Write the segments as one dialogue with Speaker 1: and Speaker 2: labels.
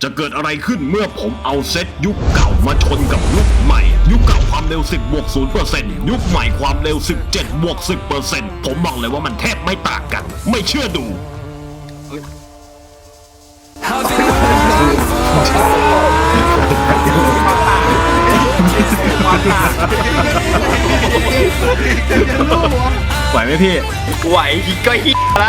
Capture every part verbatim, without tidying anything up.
Speaker 1: จะเกิดอะไรขึ้นเมื่อผมเอาเซตยุคเก่ามาชนกับยุคใหม่ยุคเก่าความเร็วสิบบวกศูนย์เปอร์เซ็นต์ยุคใหม่ความเร็วสิบเจ็ดบวกสิบเปอร์เซ็นต์ผมบอกเลยว่ามันแทบไม่ต่างกันไม่เชื่อดูไหวไหมพี่
Speaker 2: ไหวก็ฮิละ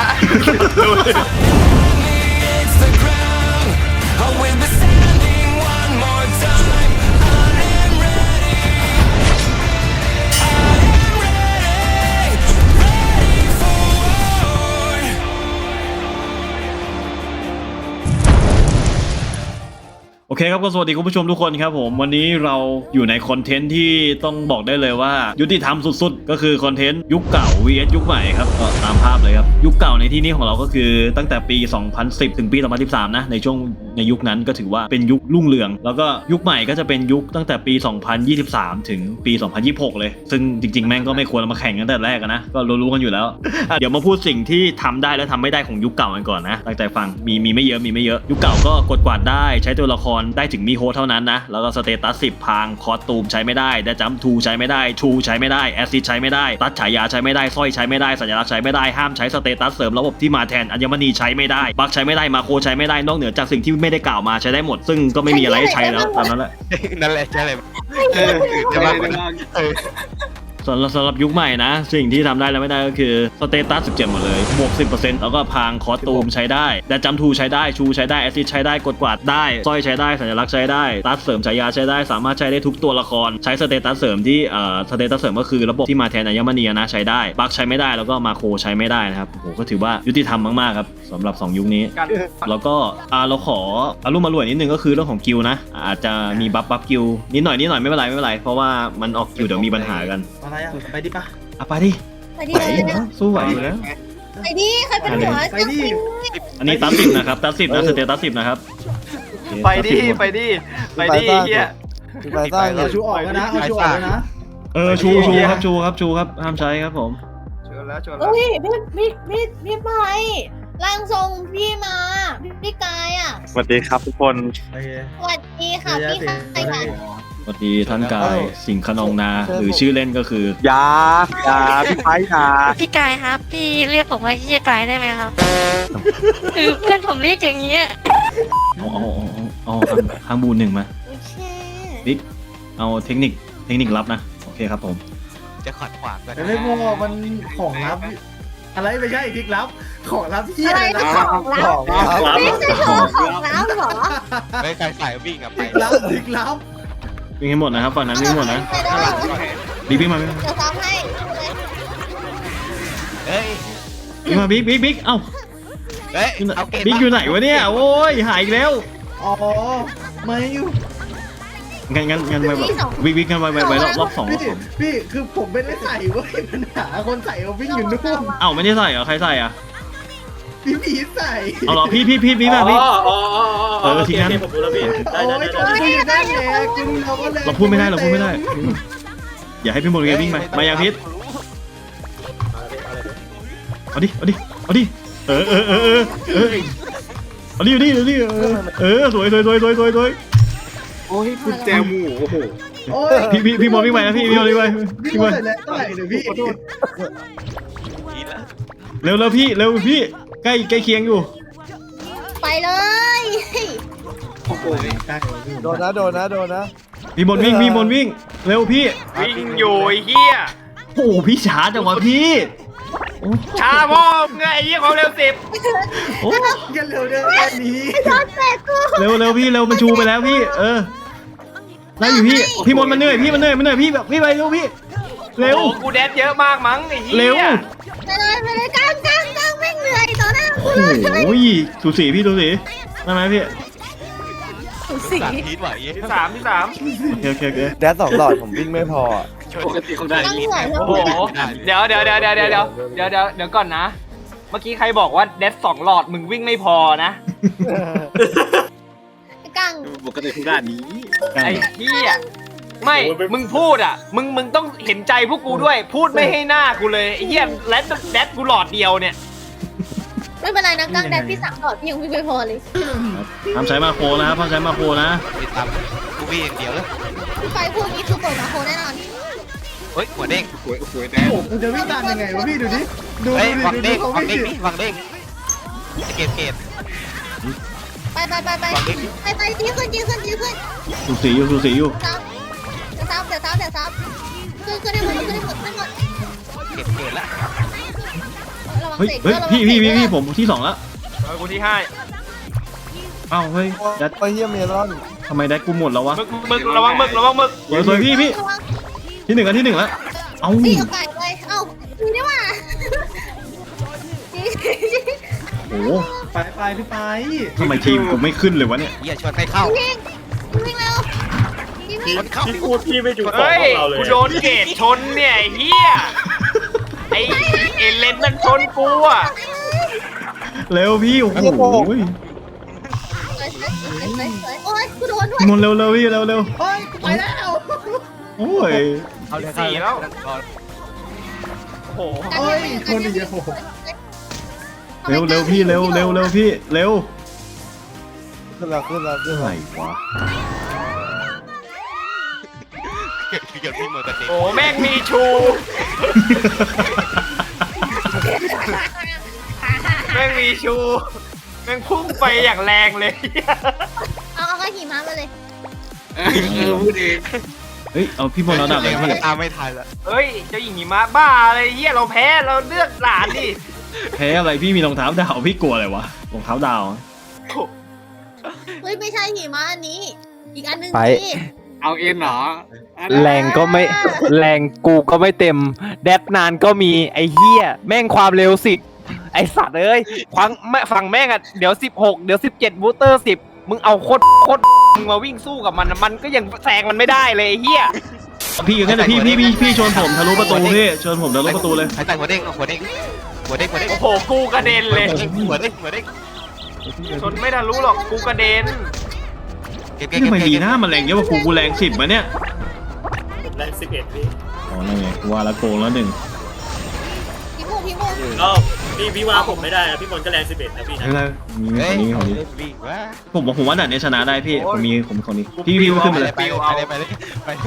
Speaker 3: โอเคครับก็สวัสดีคุณผู้ชมทุกคนครับผมวันนี้เราอยู่ในคอนเทนต์ที่ต้องบอกได้เลยว่ายุติธรรมสุดๆก็คือคอนเทนต์ยุคเก่า วี เอส ยุคใหม่ครับก็ตามภาพเลยครับยุคเก่าในที่นี้ของเราก็คือตั้งแต่ปีสองพันสิบถึงปีสองพันสิบสามนะในช่วงในยุคนั้นก็ถือว่าเป็นยุครุ่งเรืองแล้วก็ยุคใหม่ก็จะเป็นยุคตั้งแต่ปีสองพันยี่สิบสามถึงปีสองพันยี่สิบหกเลยซึ่งจริงๆแม่งก็ไม่ควรมาแข่งกันแต่แรกนะก็รู้ๆกันอยู่แล้ว เดี๋ยวมาพูดสิ่งที่ทำได้และทำไม่ได้ของยุคเก่ากันก่อนนะตั้งใจฟังมีมีไม่เยอะมีไม่เยอะยุคเก่าก็กดกวาดได้ใช้ตัวละครได้ถึงมีโฮเท่านั้นนะแล้วก็สเตตัสสิบพังคอสตูมใช้ไม่ได้เดจัมทูใช้ไม่ได้ชูใช้ไม่ได้แอซิดใช้ไม่ได้ตัดฉายาใช้ไม่ได้สร้อยใช้ไม่ได้สัญลักษณ์ใช้ไม่ได้ห้ามใช้สเตตัสเสริมระบบที่มาแทนอัญมณีใช้ไม่ได้บัคใช้ไม่ได้มาโคใช้ไม่ได้นอกเหนือจากสิ่งที่ไม่ได้กล่าวมาใช้ได้หมดซึ่งก็ไม่มีอะไรให้ใช้แล้วตามนั้นแหละ
Speaker 2: นั่นแหละใช่เลยเออจะมาเออ
Speaker 3: สำหรับสำหรับยุคใหม่นะสิ่งที่ทำได้และไม่ได้ก็คือสเตตัสสิบเจ็ดหมดเลยบวก สิบเปอร์เซ็นต์ แล้วก็พางคอสตูมใช้ได้แต่จัมทูใช้ได้ชูใช้ได้แอซิดใช้ได้กดกวาดได้สร้อยใช้ได้สัญลักษณ์ใช้ได้ตัดเสริมฉายาใช้ได้สามารถใช้ได้ทุกตัวละครใช้สเตตัสเสริมที่เอ่อสเตตัสเสริมก็คือระบบที่มาแทนอัญมณีนะใช้ได้บัคใช้ไม่ได้แล้วก็มาโคใช้ไม่ได้นะครับโอ้โหก็ถือว่ายุติธรรมมากๆครับสำหรับสองยุคนี้แล้วก็อ่าเราขออารมณ์มารวยนิดนึงก็คือเรื่องของกิลนะอาจจะมีบัฟบัฟกิลนิดหน่อยนิดหน่อยไม่เป็นไรไม่เป็นไรเพราะว่ามันออกกิลเดี๋ยวมีปัญหากัน
Speaker 4: อะไรอ่ะไปดิปะ
Speaker 3: อ่ะไปดิ
Speaker 5: ไปดิเลยนะ
Speaker 3: สู้ไหวอยู่แล้ว
Speaker 5: ไปดิใครเป็นหัว
Speaker 4: ไปดิ
Speaker 3: อันนี้ตัดสิบนะครับตัดสิบนะสเตตัสสิบนะครับ
Speaker 2: ไปดิไปดิไปดิเฮีย
Speaker 4: ไปสร้างเอาชูออกแล้วนะเอาชูออกแล้วนะ
Speaker 3: เออชูชูครับชูครับชูครับห้ามใช้ครับผม
Speaker 2: ชวนแล้วชวนแล้ว
Speaker 5: เฮ้ยพี่พี่พี่พี่ไปร่างทรงพี่มาพี่กายอ่ะ
Speaker 6: สวัสดีครับทุกคน
Speaker 4: โอเค
Speaker 5: สวัสดีค่ะพี่ใครค่ะ
Speaker 3: สวัสดีท่านกายสิงห์ขนองนาหรือชื่อเล่นก็คือย
Speaker 6: า ยา พี่ไพ่ยา
Speaker 7: พี่กายครับพี่เรียกผมว่าพี่กายได้ไหมครับ คือเพื่อนผมเรียกอย่างเงี้ย
Speaker 3: เอาเอาเอาเอาข้างบูนหนึ่งมา
Speaker 5: โอเค
Speaker 3: บิ๊กเอาเทคนิคเทคนิคลับนะโอเคครับผม
Speaker 2: จะขัดขวางกัน
Speaker 4: แต่ไม่พอมันของลับอะไรไม่ใช่พลิกลับของลับที่
Speaker 5: อะไร
Speaker 4: นะ
Speaker 5: นะของลับไม่ใช่โชว์ของลับเหรอ
Speaker 2: ไม่ใครใส่วิ่งอะ
Speaker 4: พ
Speaker 2: ไป
Speaker 4: ลิกลับพลิกลับ
Speaker 3: วิ่งให้หมดนะครับฝั่งนั้นวิ่งให้หมดนะบิ๊กบิ๊กมาบิ๊ก
Speaker 5: จะซ้ำให้
Speaker 2: เฮ้ย
Speaker 3: บิ๊กมาบิ๊กบิ๊กบิ๊กเอ้า
Speaker 2: เฮ้ยเอาเกม
Speaker 3: บิ๊กอยู่ไหนวะเนี่ยโอ้ยหายอีกแล้ว
Speaker 4: อ๋อไม่อยู่
Speaker 3: งั้นงั้นงั้นไปแบบบิ๊กบิ๊กกันไปไปไปรอบรอบสองรอบ
Speaker 4: พี่
Speaker 3: สอง
Speaker 4: พี่คือผมไม่ได้ใส่เว้ยปัญหาคนใส่เอาวิ่งอยู่นู่น
Speaker 3: เอ้าไม่ได้ใส่เหรอใครใส่อ่ะ
Speaker 4: พี่ผีใส่
Speaker 3: เอาเหรอพี่พี่พี่พี่มาพี่
Speaker 8: อ๋ออ๋ออ๋อ
Speaker 3: เออทีนั้น
Speaker 8: ผมรู้แล้วพี่ได้
Speaker 4: โอ้
Speaker 8: ได้
Speaker 4: ย
Speaker 8: ได้
Speaker 4: จะพูดได้แหละคุณเราก็เลย
Speaker 3: เราพูดไม่ได้เราพูดไม่ได้ อย่าให้พี่โมเดลวิ่งไปมายังพิษเอาดิเอาดิเอาดิเออเออเออเออเออเอาดิเอาดิเอาดิเออเออสวยสวยสวยสวยสวยสวย
Speaker 8: โอ้ยคุณแจมูโอ้โห
Speaker 4: โอ้ย
Speaker 3: พี่พี่พี่โมวิ่งไปนะพี่พี่โมวิ่งไป
Speaker 4: พี่
Speaker 3: วิ่ง
Speaker 4: โม
Speaker 3: ไป
Speaker 4: ใส่แล้วเท่าไหร่เนี่ยพี่
Speaker 3: เร็วเร็วพี่เร็วพี่ใกล้ใกล้เคียงอยู่
Speaker 5: ไปเลย
Speaker 4: โดนนะโดนนะโดนนะ
Speaker 3: พี่มนวิ่งพี่มนวิ่งเร็วพี่
Speaker 2: วิ่งอยู่ไอ้เฮีย
Speaker 3: โอ้พี่ช้าจังวะพี่โอ้
Speaker 2: ช้าพ่อไงไอ้เฮียความเร็วสิบ
Speaker 3: โอ้
Speaker 4: กันเร็วเด้อแค่นี้
Speaker 5: โดนแตกกู
Speaker 3: เร็วเร็วพี่เร็วมันชูไปแล้วพี่เออได้อยู่พี่พี่มนมันเหนื่อยพี่มันเหนื่อยมันเหนื่อยพี่แบบพี่ไปเร็วพี่เร็ว
Speaker 2: โอ้กูแดดเยอะมากมั้งไอ้เฮีย
Speaker 3: เร็ว
Speaker 5: ไปเลยไปเลยกลางกลางกลางไม่เหนื่อยต่อหน้ากู
Speaker 3: โอ้
Speaker 5: เลย
Speaker 3: โหสูสีพี่สูสีได้ไหมพี่
Speaker 5: สี
Speaker 2: สามทีไหวที่สามที่สาม
Speaker 3: โอเคโอเค
Speaker 6: แดดสองหลอดผมวิ่งไม่พอ
Speaker 8: ปกติคงได้
Speaker 5: ตั้งเหนื่อย
Speaker 2: โอ้โหเดี๋ยวเดี๋ยวเดี๋ยวเดี๋ยวเดี๋ยวเดี๋ยวเดี๋ยวเดี๋ยวเดี๋ยวก่อนนะ เมื่อกี้ใครบอกว่าแดดสองหลอดมึงวิ่งไม่พอนะ
Speaker 5: กลาง
Speaker 8: ปกติคงได้นี้
Speaker 2: ไอ้เฮียไม่ มึงพูดอ่ะ มึง มึงต้องเห็นใจพวกกูด้วย พูดไม่ให้หน้ากูเลยไอ้เหี้ยแรดแรดกูหลอดเดียวเนี่ย
Speaker 5: ไม่เป็นไรนะกลางแดดพี่สามหลอดพี่ยังวิ่งไม่พอเลย
Speaker 3: ห้ามใช้มาโครนะครับห้ามใช้มาโครนะ
Speaker 9: ไปตามกูพี่อย่างเดียวเลย
Speaker 5: พี่ไฟพวกนี้คือเปิดมาโคแน่นอน
Speaker 9: เฮ้ยหัวเด้ง
Speaker 8: สวยสวยแด
Speaker 4: โอ้
Speaker 8: ง
Speaker 4: โหกูจะวิ่งตามยังไงวะพี่ดูดิดู
Speaker 9: เฮ้ย
Speaker 4: ดู
Speaker 9: วัง
Speaker 4: ดิ
Speaker 9: เด้ง
Speaker 4: ดู
Speaker 9: วัง
Speaker 4: เขา
Speaker 9: เด้ง
Speaker 4: วิ่ง
Speaker 9: นี่วังเด้งเกตเกต
Speaker 5: ไปไปไปไปไปไปจี้ขึ้นจี้ขึ้นจี้ขึ้น
Speaker 3: สูสีอยู่สูสีอยู่
Speaker 5: ซับเดี๋ยวซับเดี๋ยวซับเดี๋ยวซับขึ้นขึ้นให้หมดขึ้นให้หมดขึ้นให้หมด
Speaker 9: เกตเกตละ
Speaker 5: ระวัง
Speaker 3: เฮ้ย
Speaker 5: เตะ
Speaker 3: เฮ้ย
Speaker 5: ระวัง
Speaker 3: พี่พี่พี่
Speaker 5: เตะ
Speaker 3: พี่ผมที่สองแล้ว
Speaker 2: เออกูที่ห้า
Speaker 3: เอ้าเฮ้ยแดด
Speaker 6: ไปเยี่ยมเมลอน
Speaker 3: ทำไมแดดกูหมดแล้ววะ
Speaker 2: มึกมึกระวังมึกระวังมึก
Speaker 3: สวยสวยพี่พี่
Speaker 5: ระวัง
Speaker 3: ที่หนึ่งอันที่หนึ่งแล้วเอ้า
Speaker 5: พี่กับไก่เลยเอ้าพี่นี่ว่า
Speaker 3: โอ้โห
Speaker 4: ไปไปพี่ไป
Speaker 3: ทำไมทีมกูไม่ขึ้นเลยวะเนี่ย
Speaker 9: เหี้ยชวนไม่เข้า
Speaker 5: วิ่งวิ่งเร็วพี่วิ่ง
Speaker 9: มันเข้า
Speaker 8: พี่พูดพี่ไม่อยู่ต่อ
Speaker 2: เฮ้ย
Speaker 8: พวกเราเลย
Speaker 2: กูโดนเกตชนเนี่ยไอ้เฮียไอ้เอเลนมันชนกูอ่ะ
Speaker 3: เร็วพี่โอ้โห
Speaker 5: สวยสวยสวยสวยสวยโอ้ยกูโดนด้วย
Speaker 3: มนเร็วเร็วพี่เร็วเร็ว
Speaker 4: เฮ้ยไปแล้ว
Speaker 3: โอ้ย
Speaker 9: เอาเลย
Speaker 2: สี่แล้วโอ้โห
Speaker 4: เฮ้ยคนอีกแล้วโอ้โห
Speaker 3: เร็วเร็วพี่เร็วเร็วเร็วพี่เร็ว
Speaker 6: ขึ้นแล้วขึ้นแล้วขึ้น
Speaker 3: อะไร
Speaker 6: แล้ว
Speaker 3: วะ
Speaker 9: เกิดเกิดพี่มือกันเด็ก
Speaker 2: โอ้แม่งมีชู แม่งมีชู แม่งพุ่งไปอย่างแรงเลย
Speaker 5: เอาเอากระหิมะมาเลย
Speaker 8: เออพูดเอง
Speaker 3: เฮ้ยเอาพี่บอลเราดับเลย
Speaker 9: มัน
Speaker 3: พี่
Speaker 9: ตามไม่ทันละ
Speaker 2: เฮ้ยเจ้าหญิงหิมะบ้าอะไรเฮียเราแพ้เราเลือกหลานดิ
Speaker 3: แพ้อะไรพี่มีรองเท้าดาวพี่กลัวอะไรวะรองเท้าดาว
Speaker 5: เฮ้ยไม่ใช่หิมะอันนี้ อีกอันนึง
Speaker 6: ไป
Speaker 5: สิ
Speaker 8: เอาเอ็นเหรอ
Speaker 6: แรงก็ไม่แรงกูก็ไม่เต็ม แดดนานก็มีไอ้เหี้ยแม่งความเร็วสิไอสัตว์เอ้ย
Speaker 2: ฟังแม่ฝั่งแม่งอ่ะเดี๋ยวสิบหกเดี๋ยวสิบเจ็ดบูสเตอร์สิบมึงเอาโคตรโคตรมึงมาวิ่งสู้กับมันอะมันก็ยังแซงมันไม่ได้เลยไอ้เฮีย
Speaker 3: พี่อยู่แค่ไหนพี่พี่พี่พี่ชนผมทะลุประตูพี่ชนผมทะลุประตูเลย
Speaker 9: หายใจหัวเด้งหัวเด้งหัวเด้งหัวเด้ง
Speaker 2: โอ้โหกูกระเด็นเลย
Speaker 9: หัวเด้งหัวเด้ง
Speaker 2: ชนไม่ทันรู้หรอกกูกระเด็น
Speaker 9: เก็บ
Speaker 3: นี่ทำไมดีหน้ามันแรงเยอะกว่ากูกูแรงสิบมาเนี่ย
Speaker 8: แรงสิบเอ็ดพี่
Speaker 3: อ๋อนั่นไงว่าแล้วโกงแล้วหนึ่ง
Speaker 5: พี่มูพี่มู
Speaker 8: ก็พี่พี่ว่าผมไม่ได้นะพี่บอลก็แรงสิบเอ็ดนะพี่นะ
Speaker 3: ไม่เป็นไรมีคนนี้คนนี้
Speaker 9: วิ่งว่า
Speaker 3: ผมบอกผมว่าด่านนี้ชนะได้พี่ผมมีผมคนนี้พี่พี่ขึ้น
Speaker 9: ไป
Speaker 3: มา
Speaker 9: เล
Speaker 3: เลย ย
Speaker 9: ไปเลยไปเลยไปเลย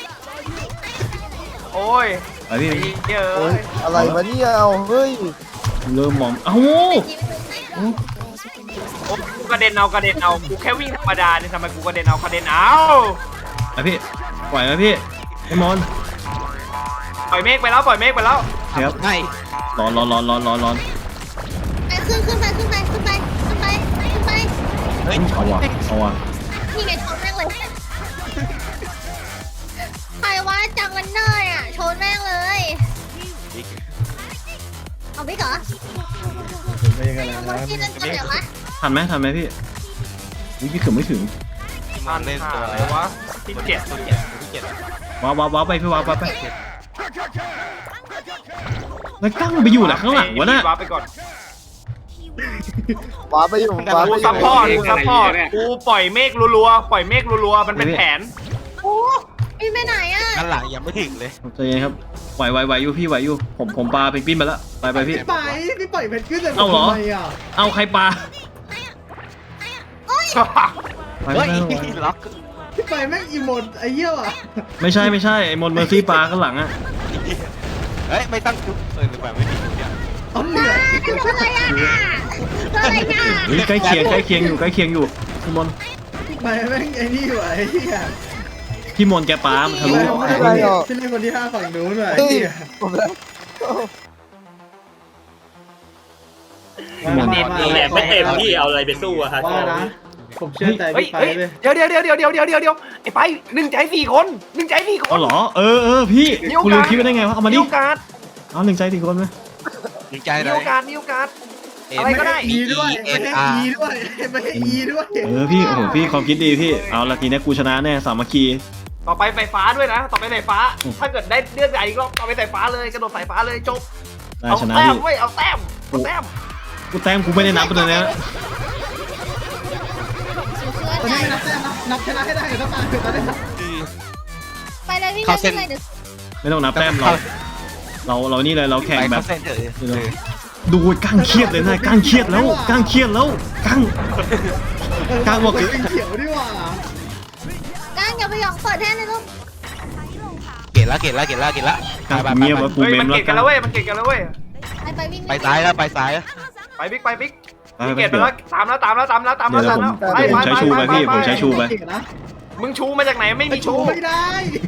Speaker 2: โอ้ย
Speaker 3: ไปพี่
Speaker 2: ไอ้เหี้ย
Speaker 6: โอ้
Speaker 2: เอ้
Speaker 6: ย
Speaker 2: ย
Speaker 6: อะไรวะเนี่ยเอาเฮ้ย
Speaker 3: เริ่มมองเอ้า
Speaker 2: โอ้กูกระเด็นเอากระเด็นเอากูแค่วิ่งธรรมดาเนี่ยทำไมกูกระเด็นเอากระเด็นเอา
Speaker 3: ไปพี่ปล่อยไหมพี่ไอ้มอน
Speaker 2: ปล่อยเมฆไปแล้วปล่อยเมฆไปแล้ว
Speaker 3: ครับ
Speaker 9: ไง
Speaker 3: ร้อนร้อนร้อนร้อนร้อนร้อน
Speaker 5: ไปขึ้นขึ้นไปขึ้นไปขึ้นไปขึ้นไปขึ้นไป
Speaker 9: เฮ้ย
Speaker 3: เอาว่ะเอาว่ะ
Speaker 5: นี่ไงชนแม่งเลยใครว่าจังวันเนอร์อ่ะชนแม่งเลยเอาไปก่อน
Speaker 4: ไปยังไงล่ะ
Speaker 5: วันที่นั่นจะเดี๋ยววะ
Speaker 3: ทันไหมทันไหมพี่อุ๊ยพี่ถึงไม่ถึง
Speaker 2: มัน
Speaker 9: เล่น
Speaker 2: หา
Speaker 9: ตัว
Speaker 2: อะไรวะที่เจ็ด
Speaker 9: ตัวเจ็ดตัวเจ็ด
Speaker 3: ว้าวว้าวว้าวไปพี่ว้าวไปไปแล้วกั้งไปอยู่หลังข้างหลังวะน่ะ
Speaker 2: ว้าไปก่อน
Speaker 6: ว้าไปอยู่ว้าไป
Speaker 2: กู
Speaker 6: อยู่
Speaker 2: ซัพพอร์ตกูซัพพอร์ตกูปล่อยเมฆรัวๆปล่อยเมฆรัวๆมันเป็นแผน
Speaker 5: โอ้พี่ไปไหนอ่ะ
Speaker 9: กันหลังยังไม่ถึงเลย
Speaker 3: ใจเย็นครับไหวไหวไหวอยู่พี่ไหวอยู่ผมผมปลาเพนกวินไปแล้วไปไปพี่
Speaker 4: พี่ไปพี่ปล่อยเพชรขึ้นเลย
Speaker 3: เอาเหรอ
Speaker 4: ทำไมอ่ะ
Speaker 3: เอาใครปลา
Speaker 5: โอ้ย
Speaker 3: ไป
Speaker 9: เฮ้ย
Speaker 3: ไปไป
Speaker 9: ล็อก
Speaker 4: พี่ไปแม่งอีโมดไอ้เหี้ยอ่ะ
Speaker 3: ไม่ใช่ไม่ใช่ไอ้มอนเมอร์ซี่ปลาข้างหลังอะ
Speaker 9: เฮ้ยไม่ตั้งจุดเออหรือเปล่าไม่ถึงเนี่ย
Speaker 4: เอาเหนื่อย
Speaker 5: อะไรอ่ะอะไรอ่ะ
Speaker 3: เฮ้ยใกล้เคียงใกล้เคียงอยู่ใกล้เคียงอยู่พี่มอน
Speaker 4: พี่ไปแม่งไอ้นี่ว่ะไอ้เหี้ย
Speaker 3: พี่มอนแกปลามันทะ
Speaker 4: พี่
Speaker 3: ลุ
Speaker 4: ไปคนที่พี่เล่นคนที่ห้าฝั่งนู้นว่ะไอ้
Speaker 6: เฮ้ย
Speaker 4: เหี้ย
Speaker 6: ผมแล้ว
Speaker 4: มา
Speaker 8: เน็ต
Speaker 4: มา
Speaker 8: นี่แหละไม่เต็มที่เอาอะไรไปสู้อะฮะ
Speaker 4: ว่านะผมเชื่อใจ
Speaker 2: เฮ้ย
Speaker 4: พี่ไป
Speaker 2: เฮ้ย
Speaker 4: เลย
Speaker 2: เดี๋ยวเดี๋ยวเดี๋ยวเดี๋ยวเดี๋ยวเดี๋ยวเดี๋ยวไอ้ไปหนึ่งใจสี่คนหนึ่งใจสี่ค
Speaker 3: อ๋อน เหรอเออเออพี่คุณลืมคิดไปได้ไงวะเอามา
Speaker 2: มี
Speaker 3: ดิ
Speaker 2: โอกาส
Speaker 3: เอาหนึ่งใจสี่คนไหม
Speaker 9: ดีใจ
Speaker 2: มี
Speaker 9: เลย
Speaker 2: โอกาสมีโอกาส
Speaker 9: เอ็น
Speaker 2: อะไรก็ได้
Speaker 4: อีด้วย
Speaker 9: เอ็
Speaker 4: ไม่
Speaker 9: น
Speaker 4: ให้
Speaker 9: อาร์
Speaker 4: อีด้วยไม่ให้อีด้วย
Speaker 3: เออพี่โอ้โหพี่ความคิดดีพี่เอาละทีนี้กูชนะแน่สามัคคี
Speaker 2: ต่อไปไฟฟ้าด้วยนะ ต่อไปสายฟ้า
Speaker 3: อืม
Speaker 2: ถ้าเกิดได้เลือกใหญ่อีกรอบต่อไปสายฟ้าเลยกระโดดสายฟ้าเลยจบ
Speaker 3: ได้
Speaker 2: เอา
Speaker 3: ชนะ
Speaker 2: แต้ม
Speaker 3: พี่
Speaker 2: เว้ยเอาแต้มเอาแต้ม
Speaker 3: กูแต้มกูไม่ได้นับเลยนะ
Speaker 4: ตอนนี้ไม่นับแต้มนะนับชนะให้ได้เดี๋ยวต้องมาเดี๋ยวตอนนี้
Speaker 5: ไปเลยพี่ไปเลยเดี๋ยว
Speaker 3: ไม่ต้องนับแต้มเราเราเรานี่เลยเราแข่ง
Speaker 9: ไป
Speaker 3: แบ
Speaker 9: เข้า
Speaker 3: บ
Speaker 9: เส้นเถอะ
Speaker 3: ดูก้างเครียดเลยนะก้างเครียดแล้วก้างเครียดแล้วก้างก้างบอก
Speaker 4: เขียวดีกว่า
Speaker 5: ก้างอย่าไปหยองเปิดแท่นเลยลูก
Speaker 9: เกตละเกตละเกตละเกตละ
Speaker 3: ก้างเงียบว่ากู
Speaker 2: เฮ้ย
Speaker 3: เม
Speaker 2: มัน
Speaker 3: มแล้
Speaker 2: เก่
Speaker 3: ว
Speaker 2: งกันแล้วเว้ยมันเก่งกันแล้วเว้ย
Speaker 5: ไปไปวิ่ง
Speaker 9: ไปซ้ายแล้วไปซ้ายแล้ว
Speaker 2: ไปบิ๊กไปบิ๊ก
Speaker 3: ไป
Speaker 2: พี่
Speaker 3: ไป
Speaker 2: เกตไปแล้วตามแล้วตามแล้วตามแล้วตาม
Speaker 3: เดี๋
Speaker 2: แล้
Speaker 3: ยว
Speaker 2: ว
Speaker 3: เดี๋ยวผม
Speaker 2: ตามแล้ว
Speaker 3: เดี๋ยวผมใช้ชูไปพี่ผมใช้ชูไป
Speaker 4: เก่งนะ
Speaker 2: มึงชูมาจากไหนไม่มีชู
Speaker 4: ไม่ได้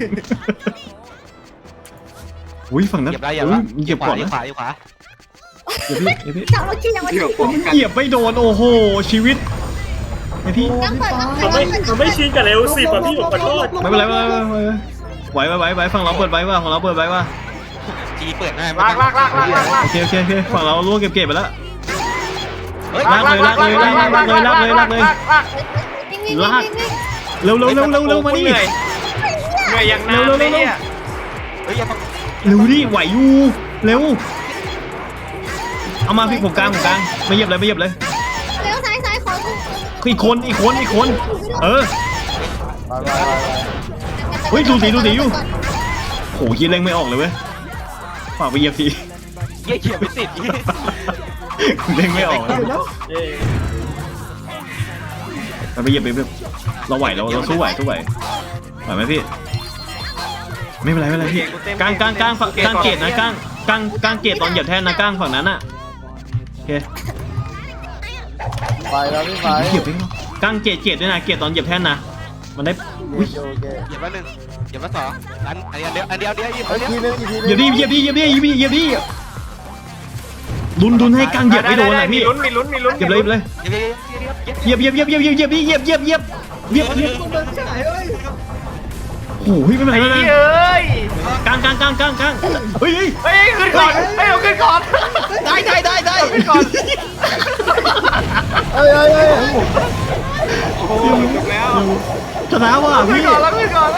Speaker 3: อุ้ยฝั่งนั้น
Speaker 9: เหยียบได้เหยียบละ
Speaker 3: เหยียบก่อน
Speaker 9: เหยีย
Speaker 3: นะ
Speaker 9: บขวาเหยียบขวา
Speaker 3: เหยียบพี่เหยียบพี่
Speaker 5: จับรถขี้จับรถขี้
Speaker 3: เหยียบไม่โดนโอ้โหชีวิตไอพี่
Speaker 5: ก้างเปิดก้างเปิ
Speaker 8: เขา
Speaker 5: ด
Speaker 8: ไม่เขาไม่ชินกับเร็วสิบอ่ะพี่ผมขอโทษ
Speaker 3: ไม่เป็นไรไม่เป็นไรไม่เป็นไรไหวไหวไหวไหวฝั่งเราเปิดไว้ว่าฝั่งเราเปิดไว้ว่า
Speaker 9: จีเปิดหน้า
Speaker 2: ลากลากลากลากลากลาก
Speaker 3: โอเคโอเคโอเคฝั่งเราล่วงเก็บเก็บไปแล้ว
Speaker 9: เฮ้ย
Speaker 3: ลากเลยลากเลยลากเลยลากเลยลากเลยลากเลย
Speaker 2: ลากลาก
Speaker 5: วิ่งวิ่งวิ่งวิ่งวิ่ง
Speaker 3: เร็วเร็วเร็วเร็วเร็วมานี่
Speaker 2: เหนื่อยเหนื่อยอย่างนานเลยเนี่ย
Speaker 9: เฮ้ยอย่ามา
Speaker 3: เร็วดิไหวอยู่เร็วเอามาพี่ผมกลางผมกลางไม่เหยียบเลยไม่เหยียบเลย
Speaker 5: เลี้ยวซ้ายซ้ายขอกู
Speaker 3: อีกคนอีกคนอีกคนเออเฮ้ยดูสิดูสิอยู่โหยีเร่งไม่ออกเลยเว้ยฝากไปเหยียบที
Speaker 9: เหี้ยเขียบไม่ติด
Speaker 3: เร่งไม่ออกเลย
Speaker 8: เย้
Speaker 3: ไปไปเหยียบไปแบบเราไหวเราเราสู้ไหวสู้ไหวไหวไหมพี่ไม่เป็นไรไม่เป็นไรพี่กลางกลางกลางฝั่งกลางเกตนะกลางกลางกลางเกตตอนเหยียบแท่นนะกลางฝั่งนั้นอ่ะโอเค
Speaker 10: ไปแล้วพี่ไป
Speaker 3: เหยียบไปกลางเกตเกตด้วยนะเกตตอนเหยียบแท่นนะมันได้อุ้ย
Speaker 10: โอเค
Speaker 9: เหยียบละหนึ่งเหยียบละสองอันอันเดียวอันเดียวอันเดียวเหยียบ
Speaker 10: ไอ้
Speaker 9: อันเดียว
Speaker 10: ทีนึงอีกทีนึง
Speaker 3: เหยียบดิเหยียบดิเหยียบดิเหยียบดิเหยียบดิดุนดุนให้กลางเหยียบไม่โดนอ่ะพี่
Speaker 2: มีลุ้นมีลุ้นมีลุ้น
Speaker 3: เหยียบเลยเหยียบเลย
Speaker 9: เหยียบเหยียบเหยียบเหยียบ
Speaker 3: เหยียบเหยียบเหยียบเหยียบเหยียบเหยียบเหยียบเหยียบเหยียบ
Speaker 4: คนเดินที่ไหนเอ้ย
Speaker 3: โอ้โหไม่เป็นไร
Speaker 2: ไอ้
Speaker 3: ไม่เป็นไร
Speaker 2: เอ้ย
Speaker 3: กลางกลางกลางกลางกลางเฮ้ยเฮ้ย
Speaker 2: เฮ้ยขึ้นก่อนเฮ้ยเอาขึ้นก่อน
Speaker 9: ได้ได้ได้ได้
Speaker 2: ขึ้นก่อน
Speaker 10: เอ้ยเอ้ยเอ้ย
Speaker 2: โอ้โหจบแล้ว
Speaker 3: ชนะว่ะ
Speaker 2: ขึ้น
Speaker 3: พี่
Speaker 2: ก่อนแล้วขึ้นก่อน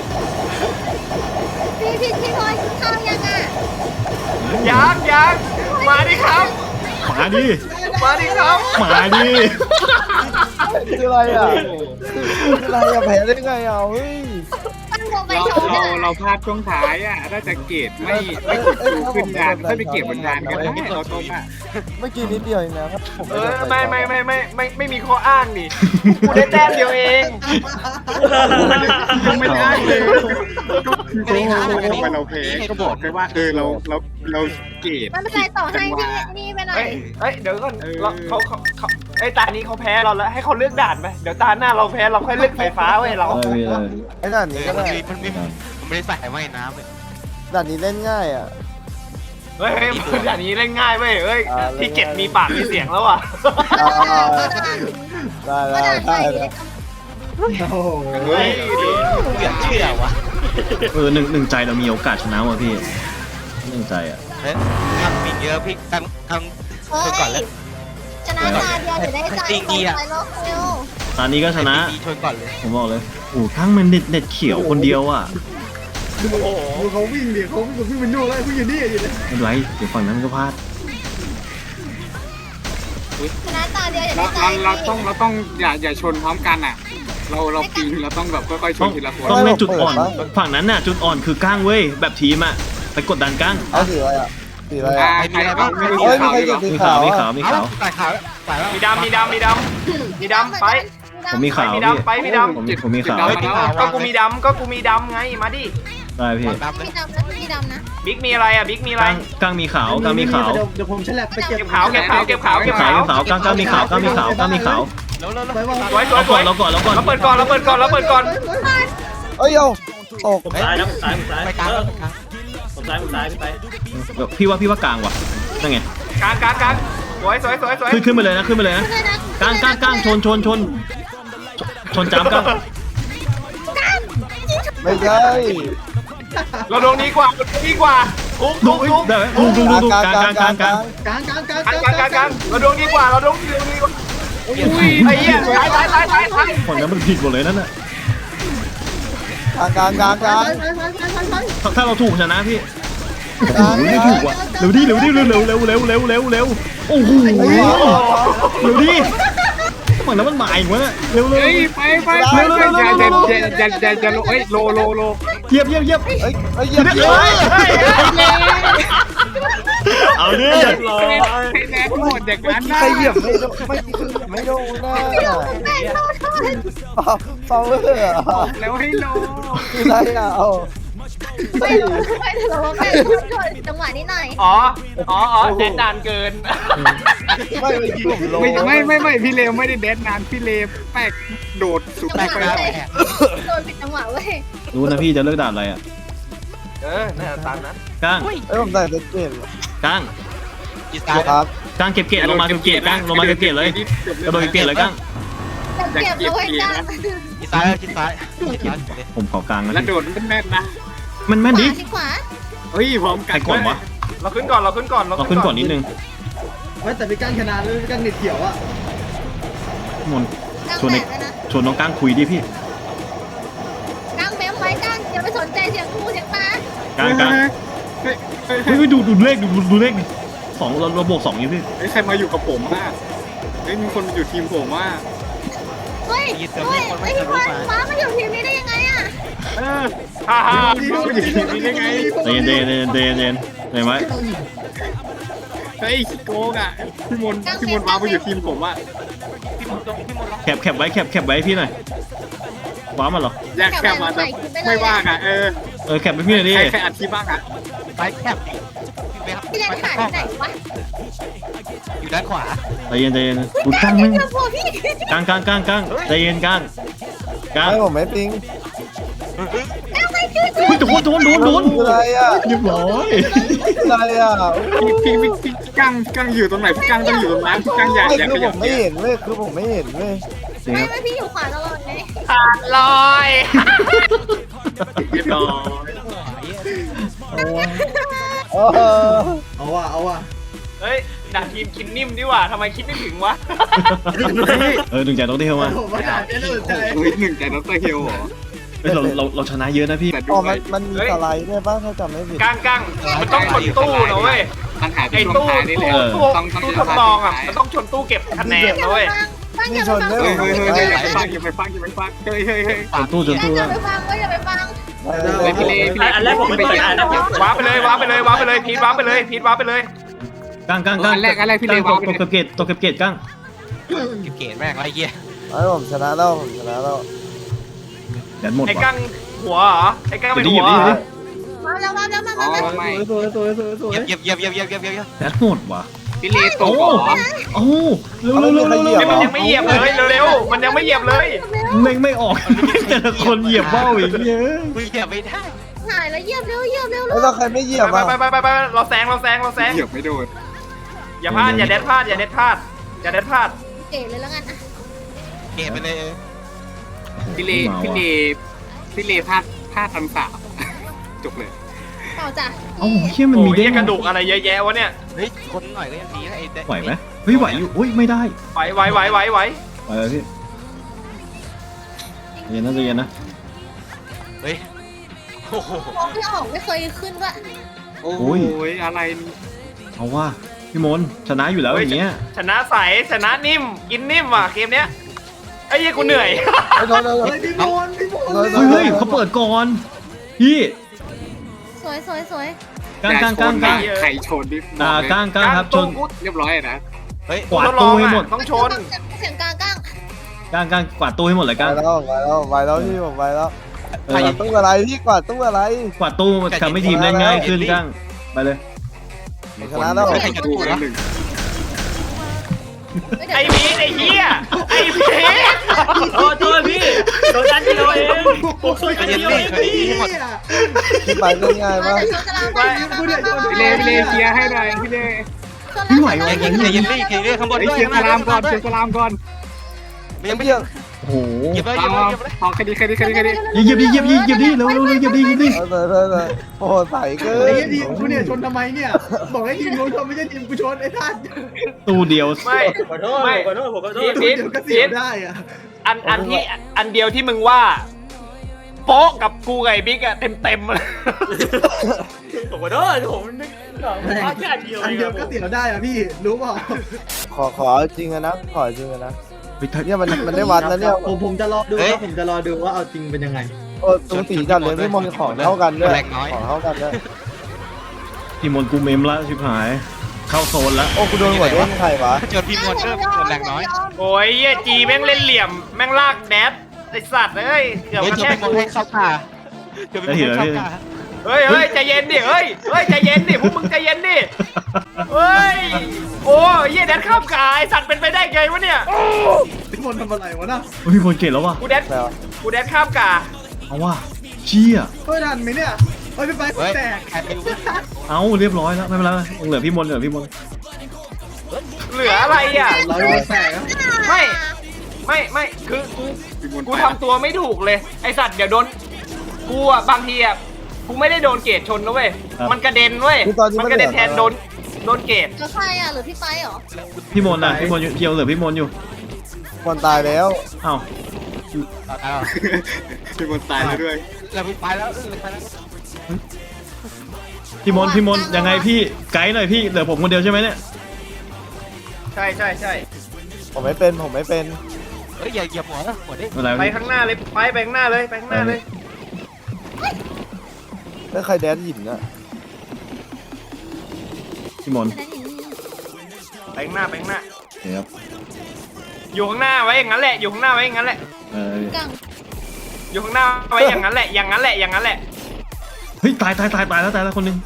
Speaker 5: พี่พี่พี่พลอยข้าวยังอ่ะ
Speaker 2: ยังยังมาดิครับ
Speaker 3: มาดิ
Speaker 2: มาดิครับ
Speaker 3: มาดิ
Speaker 10: คืออะไรอ่ะคืออะไรอ่ะแพ้ได้ไงอ่ะเฮ้ย
Speaker 5: ตั้งวงไป
Speaker 11: เรา
Speaker 5: สอง
Speaker 11: เรา
Speaker 5: อ่ะ
Speaker 11: เราพลาดช่วงท้ายอ่ะน่าจะเกตไม่ไม่กดคิวขึ้นดานค่อยไปเก็บบนดานก็ได้เราต้มอ่ะ
Speaker 10: เมื่อกี้นิดเดียวเองนะครับผม
Speaker 2: เออไม่ไม่ไม่ไม่ไม่ไม่มีข้ออ้างดิกูได้แต้มเดียวเอง
Speaker 11: ยังไม่ได้เลย
Speaker 9: กระดิ่งหางกระดิ่ง
Speaker 11: เราเพลก็บอกแค่ว่าเออเราเราเราเกต
Speaker 5: มันเป็นไรต่อให้พี่นี่ไปหน่อ
Speaker 2: เฮ้
Speaker 5: ย
Speaker 2: ยเฮ้ยเดี๋ยวก่อนเราเขาเขาเขาไอ้ตานี้เขาแพ้เราแล้วให้เขาเลือกด่านไปเดี๋ยวตาหน้าเราแพ้เราค่อยเลือกไฟฟ้าเว้ยเรา
Speaker 3: เออพี่เออ
Speaker 10: ไอ้ด่านนี้ก็
Speaker 9: มัน
Speaker 10: ได้
Speaker 9: มีมันมีมันไม่ได้ใส่ว่ายน้ำเลย
Speaker 10: ด่านนี้เล่นง่ายอ่ะ
Speaker 2: เฮ้ยเฮ้ยมันด่านนี้เล่นง่ายเว้ยเฮ้ยที่เก็บมีปากมีเสียงแล้วอ่ะ
Speaker 10: ได้ได้ได้ได้
Speaker 4: โอ้โห
Speaker 2: เฮ้ย
Speaker 9: เหลือเชื่อวะ
Speaker 3: เออหนึ่งหนึ่งใจเรามีโอกาสชนะว่ะพี่หนึ่งใจอ่ะ
Speaker 9: เฮ้ยทำมีเยอะพี่ทำทำ
Speaker 5: เฮ้
Speaker 9: คนก่อนเลย
Speaker 5: ยชนะตาเดียวเดี๋ยวได้ใจตรงไปโลกเร็ว
Speaker 3: ตอนนี้ก็ชนะ
Speaker 9: ดีชนก่อนเลย
Speaker 3: ผมบอกเลยโอ้ข้างมันเด็ดเด็ดเขียวคนเดียวอ่ะ
Speaker 4: ดูเขาวิ่งดิเขาวิ่งวิ่งเป็นนู่นแล้ววิ่งอยู่นี่อยู่เลย
Speaker 3: ไม่เป็นไรเดี๋ยวฝั่งนั้นก็พลาด
Speaker 5: ชนะตาเดียวเดี๋ยว
Speaker 11: เรา
Speaker 5: ได้ใจ
Speaker 11: เราเราต้องเราต้องอย่าอย่าชนพร้อมกันอ่ะ เราเราปีนเราต้องแบบค่อยๆช
Speaker 3: ต้อน ง
Speaker 11: ทีละคน
Speaker 3: ต้องเล่นจุดอ่อน ฝั่งนั้นน่ะจุดอ่อนคือก้างเว้ยแบบทีมอ่ะไปกดดันก้าง
Speaker 10: เอาสีอะไรอ่ะสีอะไร
Speaker 11: อ่า
Speaker 10: อ่ะ
Speaker 11: ใครบ้างไม่รู้
Speaker 10: เฮ้ยมี
Speaker 11: ข่าว
Speaker 10: ใคร
Speaker 11: ดี
Speaker 10: เก็
Speaker 11: ก
Speaker 10: บ
Speaker 11: ว่า
Speaker 10: สี
Speaker 3: มี
Speaker 10: ขา
Speaker 3: ขาว
Speaker 10: ว
Speaker 3: มี
Speaker 10: อ่ะ
Speaker 3: ขาวมีขาว
Speaker 9: ตายขาวตายแล้ว
Speaker 2: มีดำมีดำมีดำมีดำไป
Speaker 3: ผมมีขาว
Speaker 2: มี
Speaker 3: พี่
Speaker 2: ดำไปมีดำ
Speaker 3: ผมมีผมมีขาว
Speaker 2: ก็กูมีดำก็กูมีดำไงมาดิ
Speaker 3: ได้พี่
Speaker 9: ดำเลย
Speaker 5: พี่ดำนะพี่ดำนะ
Speaker 2: บิ๊กมีอะไรอ่ะบิ๊กมีอะไร
Speaker 3: ก้างก้างมีขาวก้างมีขาว
Speaker 4: เดี๋ยวเดี๋ยวผมฉลับไปเก็บ
Speaker 2: เก็บขาวเก็บขาวเก็บขาว
Speaker 3: เก็
Speaker 2: เก็
Speaker 3: บบ ขา
Speaker 2: ขาว ว
Speaker 3: เก็บขาวก้างก้างมีขาวก้างมีขาวก้างมีขาว
Speaker 9: แล้วแล้ว
Speaker 4: ไปว่า
Speaker 2: สวยสวย
Speaker 3: เรา
Speaker 2: ส
Speaker 3: ก่อ
Speaker 2: วย
Speaker 3: นเราก่อนเราก่อน
Speaker 2: เราเปิดก่อนเราเปิดก่อนเราเปิดก่อน
Speaker 10: เอ้ยเอาตก
Speaker 8: ผมซ้ายนะผมซ้ายผมซ้าย
Speaker 9: ไปกลาง
Speaker 8: เออ
Speaker 9: ไปกลาง
Speaker 8: ผมซ้ายผมซ้ายพี่ไป
Speaker 3: พี่ว่าพี่ว่ากลางว่ะนั่นไง
Speaker 2: กลางกลางกลางสวยสวยสวยสวย
Speaker 3: ขึ้นขึ้นไปเลยนะขึ้นไปเลยนะ
Speaker 5: ขึ้นเลยนะ
Speaker 3: กลางกลางกลางชนชนชนชนจ้ำกลาง
Speaker 10: ไม่ใช่
Speaker 2: เราดวงดีกว่าดีกว่าปุ๊บ
Speaker 3: ดู
Speaker 2: ปุ๊บปุ๊บ
Speaker 3: ได้ไหมดูดูดูดูกลางกลางกลางกลาง
Speaker 4: กลางกลางกลาง
Speaker 2: กลางกลางกลางกลางเราดวงดีกว่าเราดวงดีกว่าอุ้ยไอ้เหี้ยตายตายตายตายตาย
Speaker 3: ฝั่งนั้นมันผิดหมดเลยนั่นน่ะ
Speaker 10: กลางกลางกลางกลาง
Speaker 3: ถ้าถ้าเราถูกชนะพี่
Speaker 10: กลาง
Speaker 3: ไม่ถูกว่ะเร็วดิเร็วดิเร็วเร็วเร็วเร็วเร็วเร็วเร็วโอ้โหเร็วดิฝั่งนั้นมันหมายอีกวะเร็วเร็ว
Speaker 11: เฮ้ยไปไปไปไปอย่าอย่าอย่าอย่าอย่าอย่าเฮ้ยโลโลโล
Speaker 3: เยียบเยียบเยียบ
Speaker 10: เอ้ยเอ้ยเยี่ยม
Speaker 3: เฮ้ย
Speaker 10: เยี่ยม
Speaker 3: เฮ้ยเอาดิ
Speaker 11: ให้แรงหมดอย่างนั้นนะ
Speaker 10: ใครเหยียบไม่โดนไม่คือไม่โดนนะ
Speaker 5: พี่หลงแม่งโทษโทษ
Speaker 10: เปล่าเปล่าเลยอ่ะ
Speaker 11: แล้วให้โล
Speaker 10: คืออะไรอ่ะเอา
Speaker 5: ไม่รู้ไม่รู้ว่าแม่งโทษโทษจังหวะนี้หน่อย
Speaker 2: อ๋ออ๋ออ๋อแดนนานเกิน
Speaker 10: ไม่เมื่อกี้ผมโล
Speaker 11: ไม่ไม่ไม่ไม่พี่เลวไม่ได้เดนนานพี่เลวแปกโดดสุด
Speaker 5: จัง
Speaker 11: ไป
Speaker 5: หวะ
Speaker 11: แล้ว
Speaker 5: เลยโดนผิดจังหวะเว้ย
Speaker 3: รู้นะพี่จะเลิกด่าอะไรอ่ะ
Speaker 2: เออน่าตามนั้น
Speaker 3: ก้าง
Speaker 10: เอ้ยผมใส่เซ็ตเกต
Speaker 3: ก้าง
Speaker 9: อีสาน
Speaker 10: ครับ
Speaker 3: ก้างเก็บเกรดลงมาเก็บเกรดก้างลงมาเก็บเกรดเลยกระโดดเก็บเกรดเลยก้าง
Speaker 5: จะเก็บเอาไว้จ้า
Speaker 9: อีสานอีสานอีสาน
Speaker 3: ผมขอกลางนะ
Speaker 11: แล้ว
Speaker 3: พี่
Speaker 11: โดดมันแม่นนะ
Speaker 3: มันแม่น
Speaker 5: ข
Speaker 3: ดิ
Speaker 5: วาสิขวา
Speaker 11: เฮ้ยพร้อมกั
Speaker 3: ใครก่อนวะ
Speaker 2: เราขึ้นก่อนเราขึ้นก่อน
Speaker 3: เราขึ้นก่อนนิดนึง
Speaker 4: ไม่แต่พี่กั้งชนะเลยพี่กั้งเน็ตเขียวอ่ะ
Speaker 3: มน
Speaker 5: กลาง
Speaker 3: ชวน
Speaker 5: แบ
Speaker 3: ใน
Speaker 5: บเลยนะ
Speaker 3: ชวนน้องก้างคุยดิพี่
Speaker 5: กลางเบมไว้กลางอย่าไปสนใจเสียงกูเสียงตา
Speaker 3: ก้างก้าง
Speaker 11: เฮ้ยเฮ้ย
Speaker 3: เฮ้ยดูดูเลขดูดูเลขดิสองเราเราบวกสองอยู่พี่
Speaker 11: เฮ้ยใครมาอยู่กับผมอ่ะเฮ้ยมีคนอยู่ทีมผมอ่ะ
Speaker 5: เฮ้ยเฮ้ยไอ้ที่ฟ้าฟ้ามาอยู่ทีมนี้ได้ยังไงอ่ะ
Speaker 11: เออ
Speaker 2: ฮ่าฮ่า
Speaker 11: พี่มาอยู่ทีมนี้ได้ไง
Speaker 3: เดนเดนเดนเดนเดนเห็นไหม
Speaker 11: เฮ้ยขี้โกงอ่ะพี่มนพี่มนมามาอยู่ทีมผมอ่ะ
Speaker 3: แคปแคปไว้แคปแคปไว้พี่หน่อยว้ามันเหรอ
Speaker 11: แยกแค่มาแต่ไม่ว่างอ่ะเออ
Speaker 3: เออแคปไปพี่หน่อยดิ
Speaker 11: ใครใครอัดคลิปบ้างอ่ะ
Speaker 9: ไปแคบ
Speaker 5: พี่แดนหายไปไหนวะ
Speaker 9: อยู่ด้านขวา
Speaker 3: ใจเย็นใจเย็นดู
Speaker 5: แด
Speaker 3: ก้าง
Speaker 5: น
Speaker 3: มึง
Speaker 5: เจอพวกพี่
Speaker 3: ก้างก้างก้างก้างใจเย็นก้างก้าง
Speaker 10: ไม่ผมไม่ปิง
Speaker 5: แล้วไม่ช่วย
Speaker 3: เฮ้ยโดนโดนโดนโดน
Speaker 10: คืออะไรอ่ะ
Speaker 3: เรียบร้อย
Speaker 10: คืออะไรอ่ะ
Speaker 11: พี่พี่พี่พี่กั้งพี่กั้งอยู่ตรงไหนพี่กั้งต้องอยู่ตรงนั้นพี่กั้งอย่า
Speaker 10: ไม่
Speaker 11: อย่า
Speaker 10: คื
Speaker 11: ข
Speaker 10: อผ
Speaker 11: ยับ
Speaker 10: มไม่เห็นเว้ยคือผมไม่เห็นเว้ย
Speaker 5: ไม่ไม่พี่อยู่ขวาตลอดไง
Speaker 2: ขาดลอย
Speaker 11: เรียบร้อย
Speaker 10: เออ
Speaker 4: เอาว่ะเอาว่ะ
Speaker 2: เฮ้ยด่าทีมคินนิ่มดีกว่าทำไมคิดไม่ถึงวะ
Speaker 3: เออหนึ่งใจต้องเที่ยวมา
Speaker 4: ผมไม่ได้ไม่ได้สนใจ
Speaker 11: เฮ้ยหนึ่งใจดรเฮลเหรอ
Speaker 3: เฮ้ยเราเราเราชนะเยอะนะพี่
Speaker 11: แต่
Speaker 10: อ๋
Speaker 11: ด้
Speaker 10: อ
Speaker 11: ว
Speaker 10: มัน
Speaker 11: ย
Speaker 10: มันมีสไลด์ด้วยป่ะถ้าจำไม่ผิด
Speaker 2: ก้างก้างมันต้องชนตู้นะเว้ย
Speaker 11: ปัญหา
Speaker 2: ไอ้
Speaker 11: ที่ช่วง
Speaker 2: ตู้
Speaker 11: ท้ายนี่แหละ
Speaker 2: ตู้
Speaker 11: ต้องต้อง
Speaker 2: ตู้ทดลองอ่ะมันต้องชนตู้เก็บคะแนนนะเว้ย
Speaker 5: ฟังอย่าไปฟัง
Speaker 11: เฮ้ยเฮ้ยเฮ้ยอย่าไปฟังอย่าไปฟังอย่าไปฟังเฮ้ยเฮ้ยเฮ้ย
Speaker 3: จนตู้จนตู้
Speaker 5: อย่า
Speaker 3: แล้ว
Speaker 5: ไปฟังเว้ยอย่าไปฟัง
Speaker 11: เฮ้ยพี่เล่พี่เล่อันแรกผมไม่เปิดอันแรก
Speaker 2: ว้าไปเลยว้าไปเลยว้าไปเลยพีทว้าไปเลยพีทว้าไปเลย
Speaker 3: ก้างก้างก้าง
Speaker 11: อันแรกอันแรกพี่เล่
Speaker 3: ต
Speaker 11: วาง
Speaker 3: กเก็บเกตตกเก็บเกตก้าง
Speaker 9: เกตแม่งไรเงี้ย
Speaker 10: ไอ้ผมชนะแล้วผมชนะแล้ว
Speaker 3: แดนหมด
Speaker 2: ไอ้
Speaker 3: ว่ะ
Speaker 2: กั้งหัวเหรอไอ้กั้งเป็น
Speaker 3: เดี๋ยว
Speaker 2: หัว
Speaker 3: ดิ
Speaker 2: เหร
Speaker 3: เดี๋ยวดิ
Speaker 2: อ
Speaker 5: มาแล้วมาแล้วมา
Speaker 11: อ๋อ
Speaker 5: มา
Speaker 11: ไม่
Speaker 4: สวยสวยสวยสวย
Speaker 9: เยียบเยียบเยียบเยียบเยียบเยียบเยียบ
Speaker 3: แดนหมดว่ะ
Speaker 11: พี่เล่ตกเหรอ
Speaker 3: โอ้เร็วเร็วเร็วเร็วเร็ว
Speaker 2: มันยังไม่เหยียบเลยเร็วๆมันยังไม่เหยียบเลย
Speaker 3: เม่งไม่ออกแต่ละคนเหยียบเบ้าอีกเยอะ
Speaker 9: มึงเหยียบไม่ได้
Speaker 5: หายแล้วเหยียบเร็วเหยียบเร็ว
Speaker 10: แล้วถ้าใครไม่เหยียบ
Speaker 2: ไป
Speaker 10: อ่ะ
Speaker 2: ไปไปไปไปเราแซงเราแซงเราแซง
Speaker 11: เหยียบไม่โดน
Speaker 2: อย่าพลาดอย่าเด็ดพลาดอย่าเด็ดพลาดอย่าเด็ดพลาด
Speaker 5: เก๋เลยแล้วกันอ่ะ
Speaker 9: เกตไปเลย
Speaker 11: พี่เล่พี่เล่พี่เล่พลาดพลาดทันสาวจบเลย
Speaker 5: เปล่าจ้ะ
Speaker 3: เอ้าเชี่ยมัน
Speaker 2: โอ้
Speaker 3: มี
Speaker 2: ย
Speaker 3: เด้ง
Speaker 2: กระดูกอะไรเยอะแยะวะเนี่ย
Speaker 9: เฮ้ยคนหน่อยก็ยังดีนะไอ้
Speaker 3: ไหวไหมเฮ้ยไหวอยู่อุ้ยไม่ได้
Speaker 2: ไหวไหวไหวไหวไหว
Speaker 3: ไหวเลยพี่เย็นนะใจเย็นนะ
Speaker 9: เฮ้ยโอ้โห
Speaker 5: มองไม่ออกไม่เคยขึ้นว่า
Speaker 11: โอ้ยอะไร
Speaker 3: เอาว่าพี่มนชนะอยู่แล้วอย่างเงี้ย
Speaker 2: ชนะใสชนะนิ่มกินนิ่มว่ะเกมเนี้ยไอ้ยี่กูเหนื่อย
Speaker 10: ไอ้โดนโดน
Speaker 4: เฮ้ยพี่มนพี่มน
Speaker 3: เฮ้ยเฮ้ยเขาเปิดก่อนพี่
Speaker 5: สวยสวยสวย
Speaker 3: ก้างก้างก้างก้าง
Speaker 11: ไข่ชนดิ
Speaker 3: อ่าก้างก้างครับชน
Speaker 11: เรียบร้อยนะ
Speaker 9: เฮ้ย
Speaker 3: กวาดตู้ให้หมด
Speaker 2: ต้องชน
Speaker 5: เสียงกลางกลาง
Speaker 3: ก้างก้างกวาดตู้ให้หมดเลย
Speaker 10: ไป
Speaker 3: ก้าง
Speaker 10: แล้วไปแล้วไปแล้วพี่ผมไปแล้ว
Speaker 3: เอก
Speaker 10: วา
Speaker 3: อ
Speaker 10: ดตู้อะไรพี่กวาดตู้อะไร
Speaker 3: กวาดตู้ทำให้ทีมเล่นง่ายขึ้นก้างไปเลย
Speaker 10: ชนะแล้ว
Speaker 11: ไข่ชนหนึ่ง
Speaker 2: ไอ้พีทไอ้เหี้ยไอ้พีท
Speaker 8: โอ้โทษพี่โดนดันเดียวเองผมช่วยกันเดียวเองพี่
Speaker 10: พี่ไปเล่นง่ายมาก
Speaker 11: พี่เล่พี่เล่เคลียร์ให้หน่อยพี่เล่
Speaker 3: ไม่ไหว
Speaker 9: ไอ้
Speaker 3: ว่ะ
Speaker 9: เกตเยลลี่เกตเยลลี่ข้างบน
Speaker 11: ไอ้
Speaker 9: ด้วย
Speaker 11: เคลียร์สลามก่อนเคลียร์สลามก่อน
Speaker 9: ยังไม่
Speaker 10: เพียง
Speaker 3: โอ้โห
Speaker 9: เหยียบเลยเห
Speaker 11: เอา
Speaker 9: ยียบเลย
Speaker 11: เอาคดีคดีคดีคดี
Speaker 3: เหยียบดิเหยียบดิเหยียบดิเร็วเร็วเร็วเหยียบดิเหยียบดิ
Speaker 10: เออเลยเลยโอ้โหใส่เกิ
Speaker 4: ไอ้
Speaker 10: น
Speaker 4: ทีมกูเนี่ยชนทำไมเนี่ยบอกให้ทีมกูชนไม่ใช่ทีมกูชนไอ้ท่าน
Speaker 3: ตู้เดียว
Speaker 2: ไม่
Speaker 8: ขอโทษขอโทษผมขอโทษ
Speaker 2: พีท
Speaker 4: เดี๋ยวก็เสี
Speaker 2: พี
Speaker 4: ย
Speaker 2: ท
Speaker 4: ได้อะ
Speaker 2: อันอันที่อันเดียวที่มึงว่าโป๊ะกับกูไงบิ๊กอะเต็มเต็มเลย
Speaker 8: ผมขอโทษผมนึกพลาดแค่อันเดียว
Speaker 4: อัน
Speaker 8: เอง
Speaker 4: เดียวก็เสียได้อะพี่รู้เปล่า
Speaker 10: ขอขอจริงนะขอจริงนะ
Speaker 3: เฮ้ยถ้า
Speaker 10: เนี่ยมันมันได้วัดนะเนี่ย
Speaker 4: ผมผมจะรอดูว่าผมจะรอดูว่าเอาจริงเป็นยังไง
Speaker 10: โอ้ตูสีจัดเลยพี่มนของเท่ากันด้วยของเท่ากันด้วย
Speaker 3: พี่มนต์กูเมมละชิบหาย เข้าโซนละ
Speaker 10: โอ้กูโดนหัวเด้งใครวะ
Speaker 9: จนพี่มอนเริ่มเกิดแรงน้อย
Speaker 2: โอ้ยเหี้ยจีแม่งเล่นเหลี่ยมแม่งลากแดดไอสัตว์เอ้ยเกือบ
Speaker 9: เฮ้ย
Speaker 2: มา
Speaker 9: จะ
Speaker 2: แค่
Speaker 9: ไปมอง
Speaker 2: กู
Speaker 9: ให้เข้าขาจะไปมองให้เข้าขา
Speaker 2: เฮ้ยเฮ้ยใจเย็นดิเฮ้ยเฮ้ยใจเย็นดิพวกมึงใจเย็นดิเฮ้ยโอ้ยเหี้ยแดดข้ามกายไอ้สัตว์เป็นไปได้ไงวะเนี่ย
Speaker 4: พี่มนต์ทำอะไรวะน่ะ
Speaker 3: เฮ้ยพี่มนต์เก่งแล้วว่ะ
Speaker 2: กูแดด
Speaker 10: แล้ว
Speaker 2: กูแดดข้ามกา
Speaker 3: เอาว่ะเชี่ย
Speaker 4: เฮ้ยทันไหมเนี่ยเฮ้ยพี่ไป
Speaker 9: เฮ้ย
Speaker 4: แตก
Speaker 9: ใครไม่รู้
Speaker 3: เอาเรียบร้อยแล้วไม่เป็นไรยังเหลือพี่มนต์เหลือพี่มนต์
Speaker 2: เหลืออะไรอ่ะ
Speaker 4: เราโดนแตกครับ
Speaker 2: ไม่ไม่ไม่คือกูกูทำตัวไม่ถูกเลยไอสัตว์เดี๋ยวโดนกูอ่ะบางทีอ่ะกูไม่ได้โดนเกตชนนะเว้ยมันกระเด็นเว้ยมันกระเด็นแทนโดนโดนเกต
Speaker 5: แล้วใครอ่ะหรือพี่ไปเหรอ
Speaker 3: พี่มนต์นะพี่มนต์อยู่เกี่ยวเหลือพี่มนต์อยู่
Speaker 10: คนตายแล้ว
Speaker 3: เอ้า
Speaker 9: อ้าว
Speaker 11: พี่มนตายแล้วด้วย
Speaker 9: เราไปแล้วไปแล้ว
Speaker 3: พี่มนต์พี่มนต์ยังไงพี่ไกด์หน่อยพี่เหลือผมคนเดียวใช่ไหมเนี่ย
Speaker 2: ใช่ใช่ใช่
Speaker 10: ผมไม่เป็นผมไม่เป็น
Speaker 9: เฮ้ยอย่าอย่าหัวนะหัวดิ
Speaker 3: ไม่เป็นไร
Speaker 2: ไป
Speaker 3: พี่
Speaker 2: ข้างหน้าเลยไปไปข้างหน้าเลยไปข้างหน้าเลย
Speaker 10: แล้วใครแดนหินอะ
Speaker 3: พี่มนต์
Speaker 2: ไปข้างหน้าไปข้างหน้า
Speaker 3: โอเคครับ
Speaker 2: อยู่ข้างหน้าไว้อย่างนั้นแหละอยู่ข้างหน้าไว้อย่างนั้นแหละ
Speaker 3: เออ
Speaker 5: กัง
Speaker 2: อยู่ข้างหน้าไว้อย่างนั้นแหละอย่างนั้นแหละอย่างนั้นแหละ
Speaker 3: เฮ้ยตายตายตายตายแล้วตายแล้วคนหนึง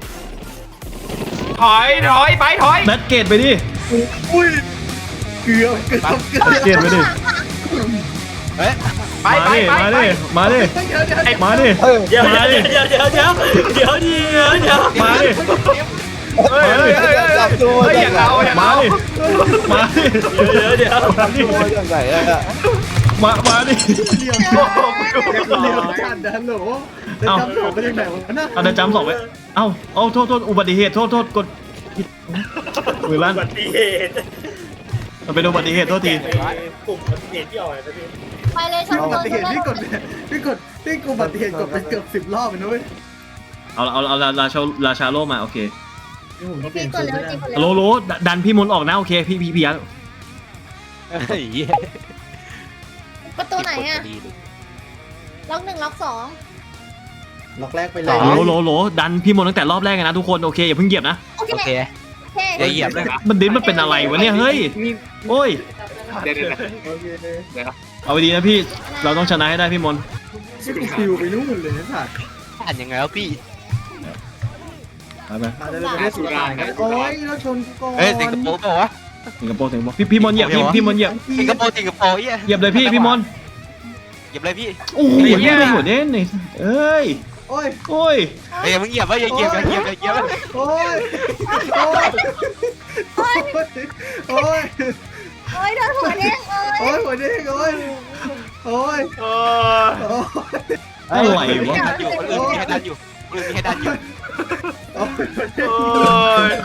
Speaker 2: ถอยถอยไปถอย
Speaker 3: แบทเกตไปดิ
Speaker 4: อุ้ยเกือบเกือบเกือบ
Speaker 3: แบทเกตไปดิ
Speaker 9: เฮ้ย
Speaker 2: ไป
Speaker 3: มา
Speaker 2: ไป
Speaker 3: ดิ
Speaker 2: ไป
Speaker 3: มา
Speaker 2: ไป
Speaker 3: ดิมาดิ
Speaker 4: เดี๋ยวเดี๋ยวเดี๋ยว
Speaker 3: มาดิ
Speaker 10: เฮ้ย
Speaker 8: เดี๋ยว
Speaker 3: มา
Speaker 8: เดี๋
Speaker 3: ดิ
Speaker 8: ยวเดี๋ยวเดี๋ยวเดี๋ยวเดี๋ยวเดี๋ยวเดี๋ยว
Speaker 3: มาดิ
Speaker 2: เฮ้ยเฮ้ยเฮ้ยเฮ้ย
Speaker 10: จับตัว
Speaker 2: เฮ้ยอย่างเอาอย่าง
Speaker 3: มา
Speaker 2: เอา
Speaker 3: ดิมาดิ
Speaker 8: เดี๋ยวเดี๋ยว
Speaker 3: มาดิ
Speaker 10: ตัวอย่างไหนอะ
Speaker 3: มามาดิ
Speaker 4: เหลี่ยม
Speaker 2: โอ้โห
Speaker 4: เหลี่ยมขันดันโหลจะจำโหลไปยังไงวะน่ะ
Speaker 3: เอาเดี๋ยวจำสองไว้เอ้าเอาโทษโทษอุบัติเหตุโทษโทษกดผิดมือลั่น
Speaker 8: อุบัติเหตุ
Speaker 3: มันเป็นอุบัติเหตุโทษที
Speaker 8: กลุ่มอุบัติเหตุที่อ่อยนะพี่
Speaker 5: ไปเลยช่าง
Speaker 4: อุ
Speaker 5: โด
Speaker 4: บั
Speaker 5: น
Speaker 4: ติเหตุพี่กดพี่กดพี่กูอุบัติเหตุกดไปเกือบสิบรอบเลยนะเว้ย
Speaker 3: เอาเอาเอาราชาราชาโลมาโอเค
Speaker 5: พี่กดแล้วจีกด
Speaker 3: โล
Speaker 5: แล้ว
Speaker 3: โลดันพี่มนต์ออกนะโอเคพี่พี่พี่ยักษ์
Speaker 9: เฮ้ย
Speaker 5: ประตูไหนอ่ะล็อกหนึ่งล็อกสอง
Speaker 4: ล็อกแรกไปเล
Speaker 3: โล
Speaker 4: ย
Speaker 3: โลโลดันพี่มนต์ตั้งแต่รอบแรกนะทุกคนโอเคอย่าเพิ่งเหยียบนะ
Speaker 5: โอเค
Speaker 9: โอเค
Speaker 5: โอเค
Speaker 9: อย่าเหยียบเลยนะ
Speaker 3: มันดิ้นมันเป็นอะไรวะเนี่ยเฮ้ยโอ้ย
Speaker 11: เดี๋ยวเดี๋ยว
Speaker 4: โอเค
Speaker 3: เอาไปดีนะพี่เราต้องชนะให้ได้พี่มนต์
Speaker 4: ชื่อกูฟิวไปนู่นเลยนะสัตว์
Speaker 9: อ่านยังไงวะพี่
Speaker 3: ไปไป
Speaker 4: มาจะได้สุรากันโอ้ยแล้วชนกูก่อน
Speaker 9: เฮ้ยสิงคโปร์เปล่าวะ
Speaker 3: สิงคโปร์สิงคโปร์พี่พี่มนต์เหยียบพี่พี่มนต์เหยียบ
Speaker 9: สิงคโปร์สิงคโปร์เหี้ย
Speaker 3: เหยียบเลยพี่พี่มนต์
Speaker 9: เหยียบเลยพี่
Speaker 3: โอ้โหเหยียบเลยหัวเด่นเลยเอ้ย
Speaker 4: โอ้ย
Speaker 3: โอ้ย
Speaker 9: เฮ้ยมึงเหยียบวะอย่าเหยียบอย่าเหยียบอย่าเหยียบ
Speaker 4: โอ้ยโอ้ยโอ้ยโอ้ย
Speaker 5: โอ้ยโดนหัวเด้งเอ้
Speaker 4: โอ้
Speaker 5: ย
Speaker 4: ยหัวเด้งโอ้ยโอ้ย
Speaker 2: เออ
Speaker 4: โอ้ย
Speaker 3: อะไรวะ
Speaker 9: ดันอยู่คนอื่นมีให้ดันอยู่คนอื่นมีให้ดันอยู่
Speaker 4: โอ้ย
Speaker 2: เอ้ย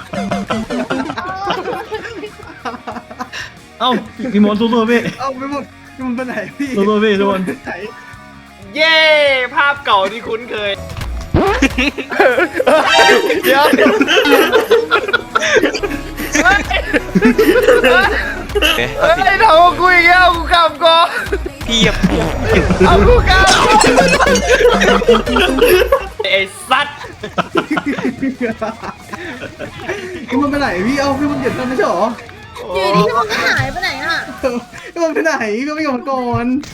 Speaker 3: เอ้าพี่มนต์สู้ๆพี่
Speaker 4: เอาไปหมดมันไปไหนพี่
Speaker 3: สู้ๆพี่ทุกคน
Speaker 4: ไหน
Speaker 2: เย้ภาพเก่าที่คุ้นเคยเดี๋ยวเฮ้ยเฮ้ยทำกับกูอีกแล้วกูกำก่อน
Speaker 9: พี่เหยียบ
Speaker 2: เอากูกำไอ้สัตว์
Speaker 4: พี่มันไปไหนพี่เอาพี่มันเหยียดกันไม่ใช่หรอ
Speaker 5: อยู่ดีพี่มันก็หายไปไหนอ่ะ
Speaker 4: พี่มันไปไหนพี่ไม่ยอมก่อน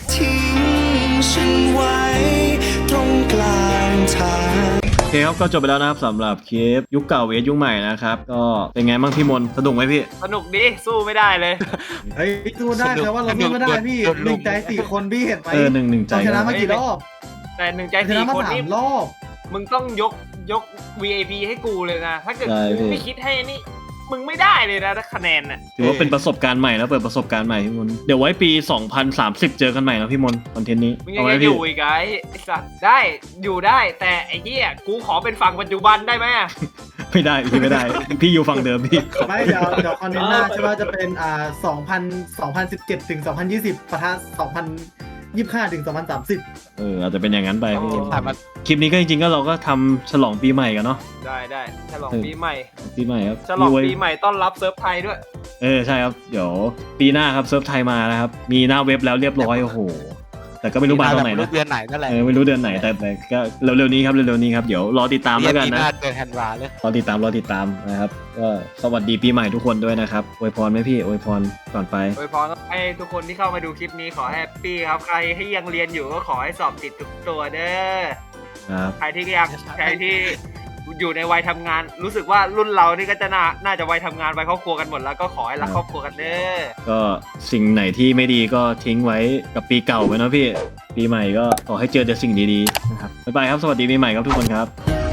Speaker 3: โอเคครับก็จบไปแล้วนะครับสำหรับคลิปยุคเก่าเวทยุคใหม่นะครับก็เป็นไงบ้างพี่มนต์สนุกไหมพี่
Speaker 2: สนุกดีสู้ไม่ได้เลย
Speaker 4: เฮ้ยสู้ได้แต่ว่าเราสู้ไม่ได้พี่หนึ่งใจสี่คนพี่เห็นไหม
Speaker 3: เออหนึ่งหนึ่งใจ
Speaker 4: เราชนะมากี่รอบ
Speaker 2: แต่หนึ่งใจ
Speaker 4: ช
Speaker 2: สี่
Speaker 4: นะมา
Speaker 2: คน
Speaker 4: สา
Speaker 2: นี่
Speaker 4: มรอบ
Speaker 2: มึงต้องยกยก วี ไอ พี ให้กูเลยนะ ถ้าเกิด
Speaker 3: ใช่
Speaker 2: กู
Speaker 3: พี่
Speaker 2: ไม่คิดให้นี่ มึงไม่ได้เลยนะถ้าคะแนนน่ะ
Speaker 3: ถือว่าเป็นประสบการณ์ใหม่แล้วเปิดประสบการณ์ใหม่พี่มนต์เดี๋ยวไว้ปีสองพันสามสิบเจอกันใหม่นะพี่มนต์คอนเทนต์นี้
Speaker 2: มึงยั
Speaker 3: เอา
Speaker 2: ง
Speaker 3: ไว้
Speaker 2: จะอ
Speaker 3: พี่
Speaker 2: ยู่อีกไงไอ้สัตว์ได้อยู่ได้แต่ไอ้เหี้ยกูขอเป็นฝั่งปัจจุบันได้ไหมอะ
Speaker 3: ไม่ได้พี่ไม่ได้ พี่อยู่ฝั่งเดิมพี่
Speaker 4: ไม่เดี๋ยวเดี๋ยวคอนเทนต์หน้าใช่ป่ะจะเป็นอ่าสองพันสองพันสิบเจ็ดถึงสองพันยี่สิบปะทะสองพันยี่สิบห้าถึงสองพันสามสิบ
Speaker 3: เอออาจจะเป็นอย่างนั้นไปพี่
Speaker 9: ผ่านมา
Speaker 3: คลิปนี้ก็จริงๆก็เราก็ทำฉลองปีใหม่กันเนาะ
Speaker 2: ได้ได้ฉลอง
Speaker 3: เออ
Speaker 2: ปีใหม่
Speaker 3: ปีใหม่ครับ
Speaker 2: ฉลอง
Speaker 3: มีไว้
Speaker 2: ปีใหม่ต้อนรับเซิร์ฟไทยด้วย
Speaker 3: เออใช่ครับเดี๋ยวปีหน้าครับเซิร์ฟไทยมานะครับมีหน้าเว็บแล้วเรียบร้อยโอ้โหแต่ก็ไม่รู้มาตอนไหน
Speaker 9: ไม่
Speaker 3: นะ
Speaker 9: รู้เดือนไหนนั่นแหละ
Speaker 3: เออไม่รู้เดือนไหนแต่แต่ก็เร็วๆนี้ครับเร็วๆนี้ครับเดี๋ยวรอติดตามแล้วกัน
Speaker 9: ปีห
Speaker 3: นะ
Speaker 9: น้าเดือนธันวาเลย
Speaker 3: รอติดตามรอติดตามนะครับก็สวัสดีปีใหม่ทุกคนด้วยนะครับอวยพรไหมพี่อวยพรก่อนไป
Speaker 2: โดยพรให้ทุกคนที่เข้ามาดูคลิปนี้ขอแฮปปี้ครับใครที่ยังเรียนอยู่ก็ขอให้สอบติดทุกตัวเด้อ
Speaker 3: ครับ
Speaker 2: ใครที่ยังใครที่อยู่ในวัยทำงาน รู้สึกว่ารุ่นเรานี่ก็จะน่าน่าจะวัยทำงานวัยครอบครัวกันหมดแล้วก็ขอให้รักครอบครัวกันเด้อ
Speaker 3: ก็สิ่งไหนที่ไม่ดีก็ทิ้งไว้กับปีเก่าไปเนาะพี่ปีใหม่ก็ขอให้เจอแต่สิ่งดีๆนะครับบ๊ายบายครับสวัสดีปีใหม่ครับทุกคนครับ